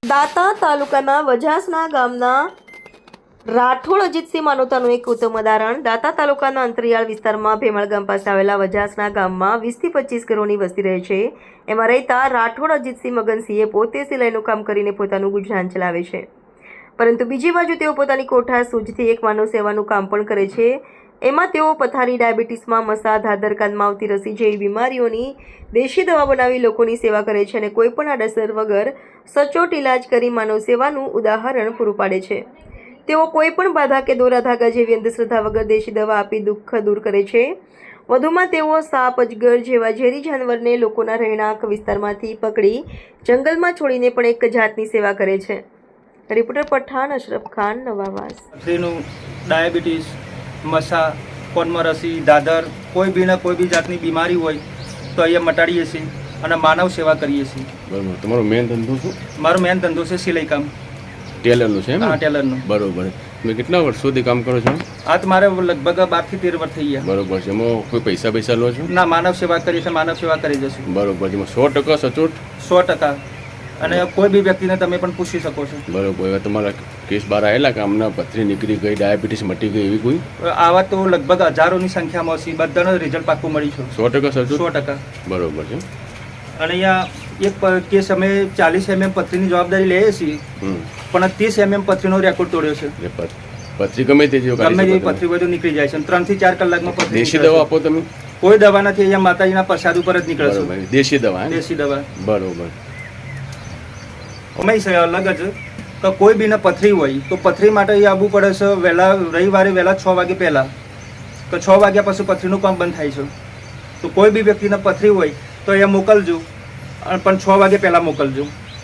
દાંતા તાલુકાના વજાસના ગામના રાઠોડ અજીતસિંહ માનવતાનું એક ઉત્તમ ઉદાહરણ. દાંતા તાલુકાના અંતરિયાળ વિસ્તારમાં ભેમળ ગામ પાસે આવેલા વજાસના ગામમાં 20 થી 25 ઘરોની વસ્તી રહે છે. એમાં રહેતા રાઠોડ અજીતસિંહ મગનસિંહે પોતે સિલાઈનું કામ કરીને પોતાનું ગુજરાન ચલાવે છે, પરંતુ બીજી બાજુ તેઓ પોતાની કોઠા સૂઝથી એક માનવ સેવાનું કામ પણ કરે છે. એમાં તેઓ પથારી, ડાયાબિટીસમાં, મસા, ધાધર, કાનમાં આવતી રસી જેવી બીમારીઓની દેશી દવા બનાવી લોકોની સેવા કરે છે અને કોઈપણ આડઅસર વગર સચોટ ઇલાજ કરી માનવ સેવાનું ઉદાહરણ પૂરું પાડે છે. તેઓ કોઈપણ બાધા કે દોરા ધાગા જેવી અંધશ્રદ્ધા વગર દેશી દવા આપી દુઃખ દૂર કરે છે. વધુમાં તેઓ સાપ, અજગર જેવા ઝેરી જાનવરને લોકોના રહેણાંક વિસ્તારમાંથી પકડી જંગલમાં છોડીને પણ એક જાતની સેવા કરે છે. રિપોર્ટર પઠાણ અશરફ ખાન, નવાવાસ. ડાયાબિટીસ, મસા, કોનમાં રસી, દાદર, કોઈ બી જાતની બીમારી હોય તો અહીંયા મટાડીએ છીએ અને માનવ સેવા કરીએ છીએ. બરાબર. તમારો મેન ધંધો શું? મારો મેન ધંધો છે સિલાઈ કામ. ટેલરનું છે? હા, ટેલરનું. બરોબર. તમે કેટલા વર્ષોથી કામ કરો છો? આ તો મારે લગભગ 12 થી 13 વર્ષ થઈ ગયા. બરોબર છે. એમાં કોઈ પૈસા લો છો? ના, માનવ સેવા કરી છે, માનવ સેવા કરી જશું. બરોબર છે. એમાં 100% સચોટ? 100%. અને કોઈ બી વ્યક્તિને તમે પણ પૂછી શકો છો. બરોબર. હવે તમારા કેસ બહાર આવેલા કે આમના પથરી નીકળી ગઈ, ડાયાબિટીસ મટી ગઈ, એવી કોઈ? આવા તો લગભગ હજારોની સંખ્યામાં છે. બધાનો રિઝલ્ટ પાક્કું મળી છે. 100% સચોટ? 100%. બરોબર છે. અને અહીંયા એક કેસ અમે 40 mm પથરીની જવાબદારી લઈએ છીએ, પણ 30 mm પથરીનો રેકોર્ડ તોડ્યો છે. પથરી ગમે તે પથરી હોય તો નીકળી જાય છે. 3 થી 4 કલાકમાં પથરી. દેશી દવા આપો તમે? કોઈ દવા નથી. અહીંયા માતાજીના પ્રસાદ ઉપર જ નીકળે છે. દેશી દવા? દેશી દવા. બરોબર. અમે અલગ જ તો કોઈ બીને પથરી હોય તો પથરી માટે અહીં આવવું પડે છે રવિવારે વહેલા 6 વાગે પહેલાં. તો 6 વાગ્યા પછી પથરીનું કામ બંધ થાય છે. તો કોઈ બી વ્યક્તિને પથરી હોય તો અહીંયા મોકલજો, પણ 6 વાગે પહેલાં મોકલજો.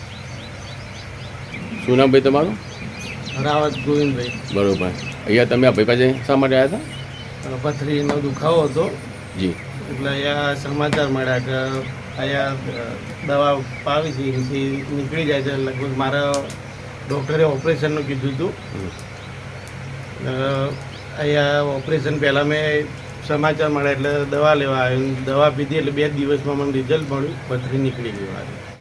શું નામ ભાઈ તમારું? રાવત ગોવિંદભાઈ. બરોબર. અહીંયા તમે આ ભાઈ પાસે શા માટે આવ્યા હતા? પથરીનો દુખાવો હતો. જી. એટલે અહીંયા સમાચાર મળ્યા કે અહીંયા દવા પાવી છે, એથી નીકળી જાય છે. લગભગ મારા ડૉક્ટરે ઓપરેશનનું કીધું હતું. અહીંયા ઓપરેશન પહેલાં મેં સમાચાર મળ્યા એટલે દવા લેવા આવ્યો. દવા પીધી એટલે 2 દિવસમાં મને રિઝલ્ટ મળ્યું, પથરી નીકળી ગઈ મારી.